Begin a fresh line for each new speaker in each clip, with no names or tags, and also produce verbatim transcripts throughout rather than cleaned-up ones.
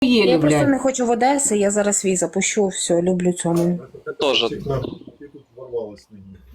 Я просто
блядь.
не хочу в Одеси, я зараз свій запущу, все, люблю цьому.
Тоже.
Ти тут ворвалась на ній.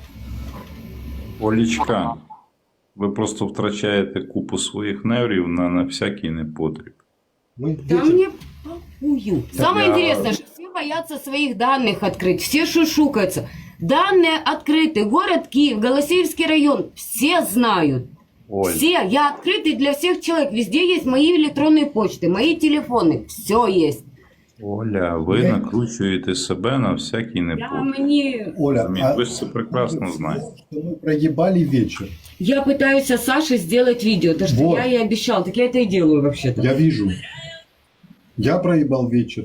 Олічка, ви просто втрачаєте купу своїх нервів на, на всякий непотріб.
Ми
Да
вечір-
мне похую. Самое
я-
интересное, что все боятся своих данных открыть, все шушукаются. Данные открыты. Город Киев, Голосеевский район, все знают.
Оль,
Все, я открытый для всех человек. Везде есть мои электронные почты, мои телефоны. Все есть.
Оля, ви накручуєте себе на всякий
Я
непотріб.
мне...
Оля,
Розумієте?
а
Ви ж це прекрасно знаєте.
что мы проебали вечер.
Я пытаюсь о Саше сделать видео, то что
Вот.
я ей обещал, так я это и делаю вообще-то.
Я вижу. Я проебал вечер.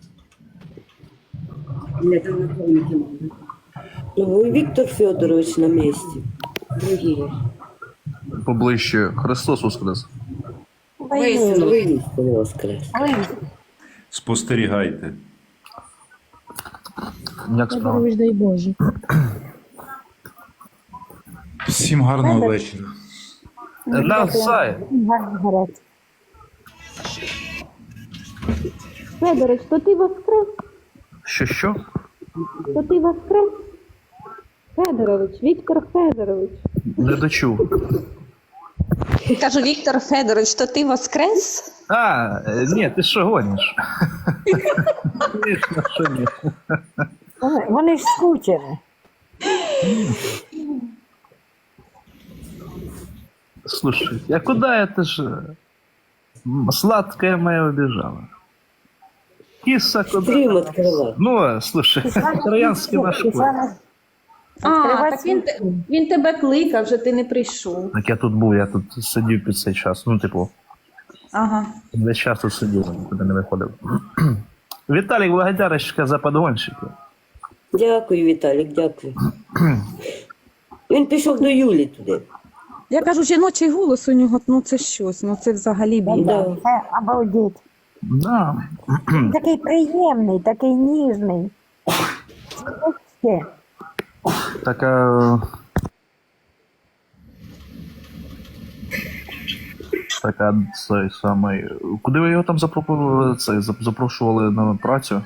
Мне там напомнить не могу.
Ну, и Виктор Федорович на месте.
Другие.
Поближче. Христос Воскрес.
Воистину, вы...
Воистину воскрес.
Спостерігайте.
Як справа?
Федорович, дай Боже.
Всім гарного вечора.
Навзай.
Гаразд. Федорович, то ти воскрес?
Що, що?
То ти воскрес? Федорович, Віктор Федорович.
Не дочув.
Кажу, Віктор Федорович, то ти воскрес?
А, е, ні, ти що гониш? Звісно, що ні.
Вони, вони ж скучені.
Слушай, а куда это же? М, Сладкая моя убежала. Киса куда?
Стрим открывай.
Ну, слушай, троянский наш кот.
А, так він, те- він тебе кликав, вже ти не прийшов.
Так я тут був, я тут сидів під цей час. Ну, типу,
Ага.
весь час тут сидів, нікуди не виходив. Віталік, благодарочка за подгонщики.
Дякую, Віталік, дякую. Він пішов до Юлі туди.
Я кажу, жіночий голос у нього, ну це щось, ну це взагалі біда.
Да.
Це обалдеть.
Да.
Такий приємний, такий ніжний. Ще.
Така. Така цей самий. Куди ви його там запропонували? Цей зап- запрошували на працю?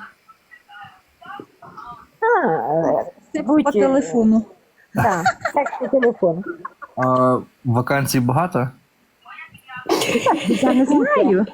А, е,
Це
будь-
по телефону.
Так, так по телефону.
А вакансій багато?
Я не знаю.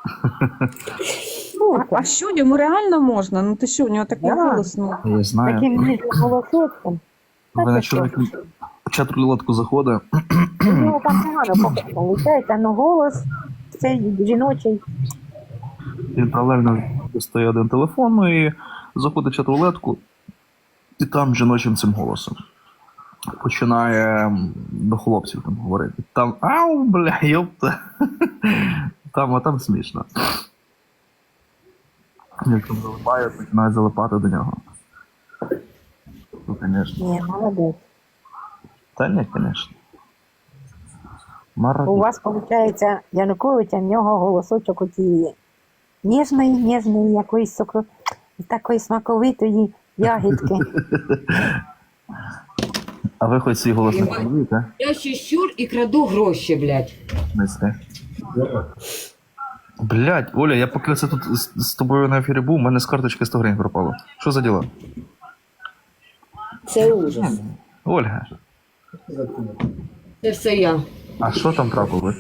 А, а що, йому реально можна? Ну ти що, у нього такий
Да.
голос, ну.
Я знаю.
Таким ніжним голосочком.
Ви на чоловік чат рулетку заходить.
У нього там погано виходить, але голос цей жіночий.
Він паралельно достає один телефон, ну і заходить в чат рулетку, і там жіночим цим голосом починає м, до хлопців там говорити. Там ау, бля, йопта. Там, а там смішно. Як там залипає, починають залипати до нього. Ну, звісно.
Ні, молодець.
Та ні, звісно.
У
Мародер.
вас, виходить, Януковича, в нього голосочок оцієї ніжної, ніжної, якоїсь сокро... такої смаковитої ягідки.
А ви хоч свій голос не чуєте?
Я щищур и краду гроші, блядь.
Мисля. Блядь, Оля, я поки це тут з, з тобою на ефірі був, у мене з карточки сто гривень пропало. Що за діло?
Це ужас.
Ольга,
Це все я.
а що там трапилось?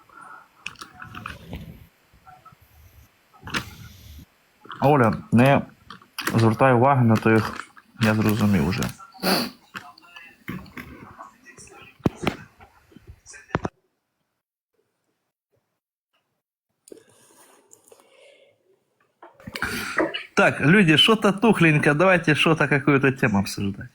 Оля, не звертай уваги на тих, я зрозумів уже. Так, люди, что-то тухленько, давайте что-то, какую-то тему обсуждать.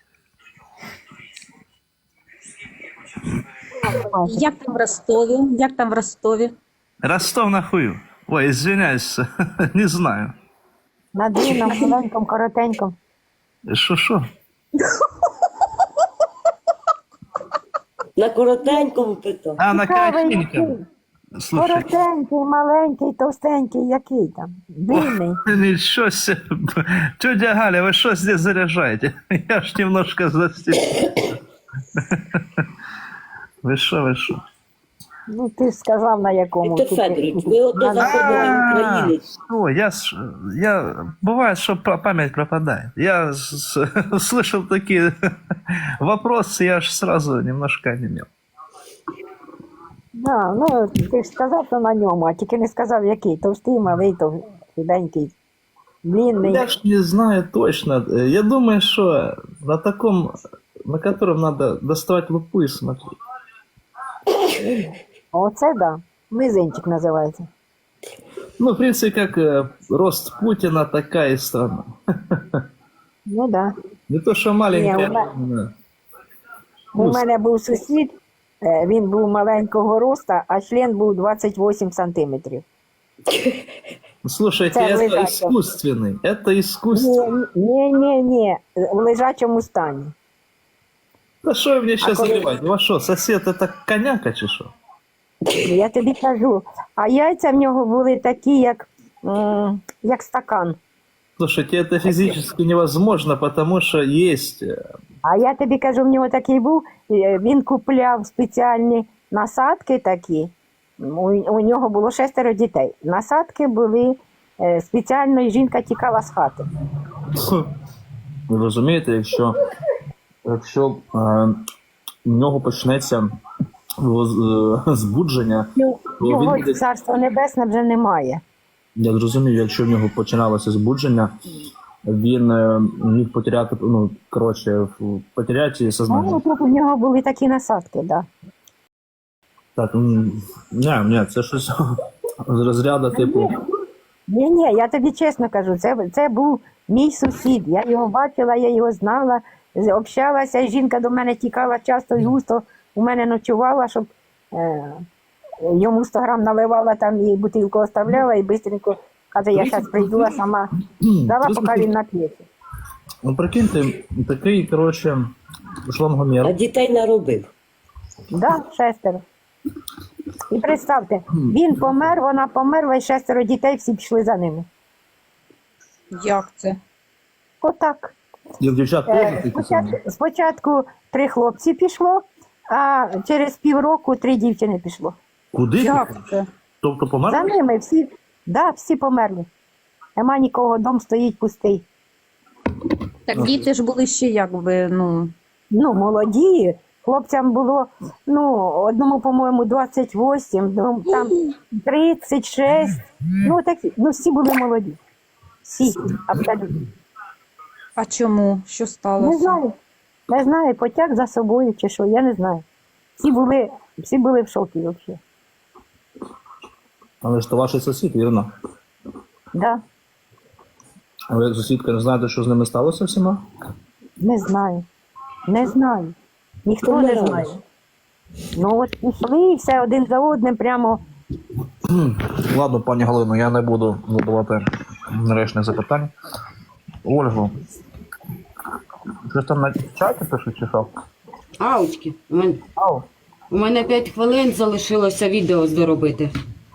Як там в Ростові? Як там в Ростові?
Ростов на хую. Ой, извиняюсь, не знаю.
На длинному, маленькому, коротенькому.
Що-що?
На коротенькому питав.
А, на
Цікавий
коротеньком.
який?
Слушай,
Коротенький, маленький, товстенький, який там? Длинний.
ничего себе. Тетя Галя, вы что здесь заряжаете? Я ж немножко застиг. Вы что, вы что?
Ну, ти ж сказав, на якому.
Віктор
Тут-
Федорович, ви ото
На-
заходили українець.
О, я, ж- я, бывает, что па- память пропадает. Я с- с- слышал такие вопросы, я аж сразу немножко онемел.
Да, ну, ти ж сказав, що на ньому, а тільки не сказав, який. Товстий, малий, то худенький, длинний.
Я ж не знаю точно. Я думаю, что на таком, на котором надо доставать лупу и смотреть.
Оце, да. Мизинчик називається.
Ну, в принципе, как э, рост Путина, такая и страна.
Ну, да.
Не то, что маленькая.
Не, у меня-
именно.
У мене був сусід, е, він був маленького роста, а член був двадцять вісім сантиметрів.
Слушайте,
Это
это
лежачий.
искусственный. Это искусственный.
Ні, ні, ні, в лежачому стані.
Да что вы мне сейчас
коли-
заливаете? У вас что, сосед это коняка чи что?
Я тобі кажу. А яйця в нього були такі, як, м, як стакан.
Слушайте, это физически невозможно, потому что есть... э,
А я тобі кажу, в нього такий був, е, він купляв спеціальні насадки такі. У, у нього було шестеро дітей. Насадки були е, спеціально, і жінка тікала з хати.
Ви розумієте, якщо, якщо е, у нього почнеться його з- е, збудження,
Ну,
то
його
він десь...
царство небесне вже немає.
Я зрозумів, якщо в нього починалося збудження, він е, міг потеряти, ну, коротше, в- потеряти
Ну,
сознання.
тут у нього були такі насадки, так. Да.
Так, м, ні, ні, це щось з розряду, типу,
Ні, ні, я тобі чесно кажу, це, це був мій сусід. Я його бачила, я його знала, з- общалася, і жінка до мене тікала часто і густо, у мене ночувала, щоб е, йому сто грам наливала там і бутилку оставляла, і швидко каже, я зараз прийду, а сама дала, поки він нап'ється.
ну, прикиньте, такий, коротше, шлангомір.
А дітей наробив.
Да, шестеро. І представте, він помер, вона померла, і шестеро дітей всі пішли за ними.
Як це?
Отак.
І в дівчат
Е,
теж такі самі.
Спочатку, спочатку три хлопці пішло, а через півроку три дівчини пішло.
Куди?
Як це?
Тобто помер?
За ними всі, да, всі померли. Нема нікого, дом стоїть пустий.
Так діти ж були ще якби, ну.
Ну, молоді, хлопцям було, ну, одному, по-моєму, двадцять вісім, ну, там тридцять шість. Ну, такі, ну, всі були молоді. Всі, абсолютно.
А чому? Що сталося?
Не знаю. Не знаю, потяг за собою чи що, я не знаю. Всі були, всі були в шокі взагалі.
Але ж то ваш сусід, вірно?
Да,
А ви, сусідка, не знаєте, що з ними сталося всіма?
не знаю. Не знаю. Ніхто не
Помирали.
знає. Ну от пішли і все один за одним прямо.
Ладно, пані Галино, я не буду задавати нарешних запитань. Ольго, щось там на чаті пишуть чи що?
Аучки, у мене,
Ау.
у мене п'ять хвилин залишилося відео доробити.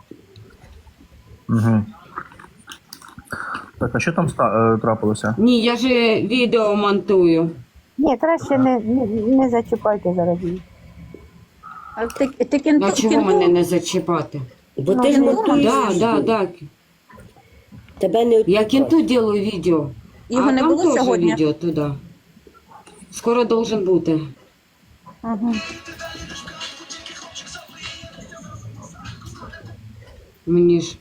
Угу. Так, а що там ста- е, трапилося?
Ні, я ж відео монтую.
Ні, краще не, не, не зачіпайте зараз її.
А ти, ти кінту,
А чого
кінту-
мене не зачіпати?
Бо
Ну,
ти ж
не
монтуєш.
Да, да,
відео.
да.
Тебе не
Я кінту делаю відео.
Його
а
не
там
було
теж
сьогодні?
відео туди. Скоро должен бути.
Ага.
Мені ж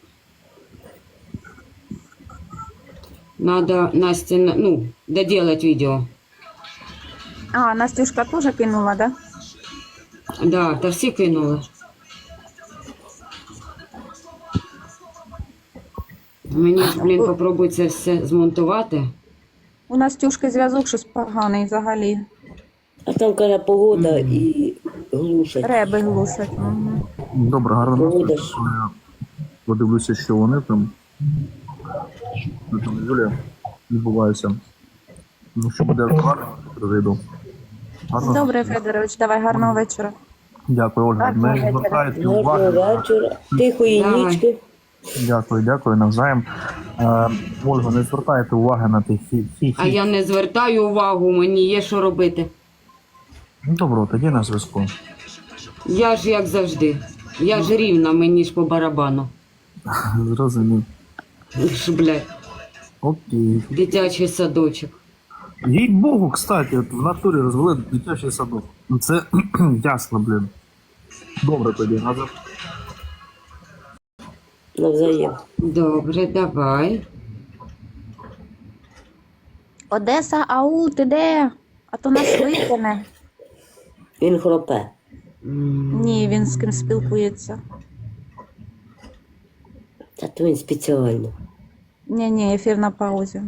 надо Насте, на- ну, доделать відео.
А, Настюшка теж кинула, да?
Да, та всі кинули. Мені ж, блін, попробуй це все змонтувати.
У Настюшки зв'язок щось поганий взагалі.
А там каже погода і глушать.
Реби глушать. Угу.
Добре, гарно.
Погода ж.
Я подивлюся, що вони там. Що там Юлія відбувається. Ну, що буде актуально, прийду. Гарно.
Добре, Федорович, давай гарного вечора.
Дякую, Ольга.
Гарного
Не
вечора.
звертайте
Гарного
уваги. на-
вечора. Тихої
Давай.
нічки.
Дякую, дякую навзаєм. Е, Ольга, не звертайте уваги на тих хі хі
А я не звертаю увагу, мені є що робити.
Ну, добре, тоді на зв'язку.
Я ж як завжди. Я ж рівна, мені ж по барабану.
Зрозумів.
Ж, блядь,
Окей.
дитячий садочок.
Їй Богу, кстати, от в натурі розвели дитячий садок. Ну це ясно, блін. Добре тоді, назад.
Навзаєм.
Добре, давай.
Одеса, ау, ти де? А то нас викине.
Він хропе.
Ні, він з ким спілкується.
Та то він спеціально.
Ні, ні, ефір на паузі.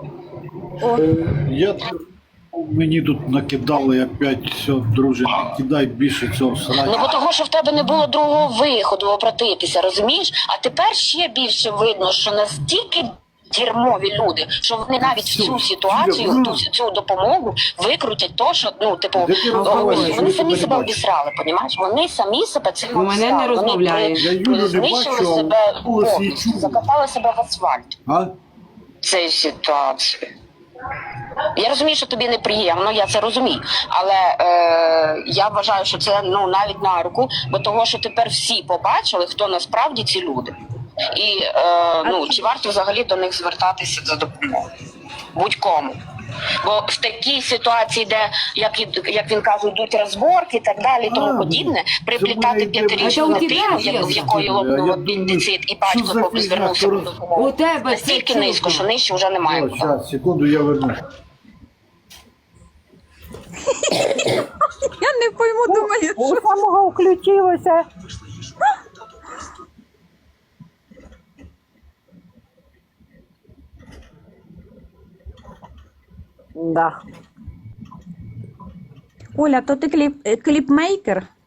Я мені тут накидали опять все, друже, не кидай більше цього
Ну,
срання.
бо того, що в тебе не було другого виходу обратитися, розумієш? А тепер ще більше видно, що настільки дерьмові люди, що вони навіть в цю ситуацію, ту, цю допомогу викрутять то, що, ну, типу,
Де ти
о,
розмовляєш?
вони
Я
самі
тебе
себе
не бачу.
обісрали, понімаєш? Вони самі себе цим
У мене не
обісрали.
розмовляє.
Я Юлю
Вони
не
знищили
бачу, а
себе
голос її
повністю,
чую.
закопали себе в асфальт.
А?
Цієї ситуації. Я розумію, що тобі неприємно, я це розумію. Але е, я вважаю, що це ну навіть на руку, бо того, що тепер всі побачили, хто насправді ці люди. І е, ну, чи варто взагалі до них звертатися за допомогою? Будь-кому. Бо в такій ситуації, де, як, і- як він каже, йдуть розборки і так далі, і
А,
тому подібне, приплітати
це в мене
п'ятирічну
йде
дитину,
причина.
як- в якої
Я
лопнув
думаю,
апендицит, і
що
батько
за
поки
фігня,
звернувся по
що-
допомогу.
У тебе це
Настільки
чутно.
низько, що нижче вже немає.
О,
куди.
зараз, секунду, я вернусь.
Я не пойму, думаю,
У самого включилося. Да.
Оля, то ти кліп, е, кліпмейкер?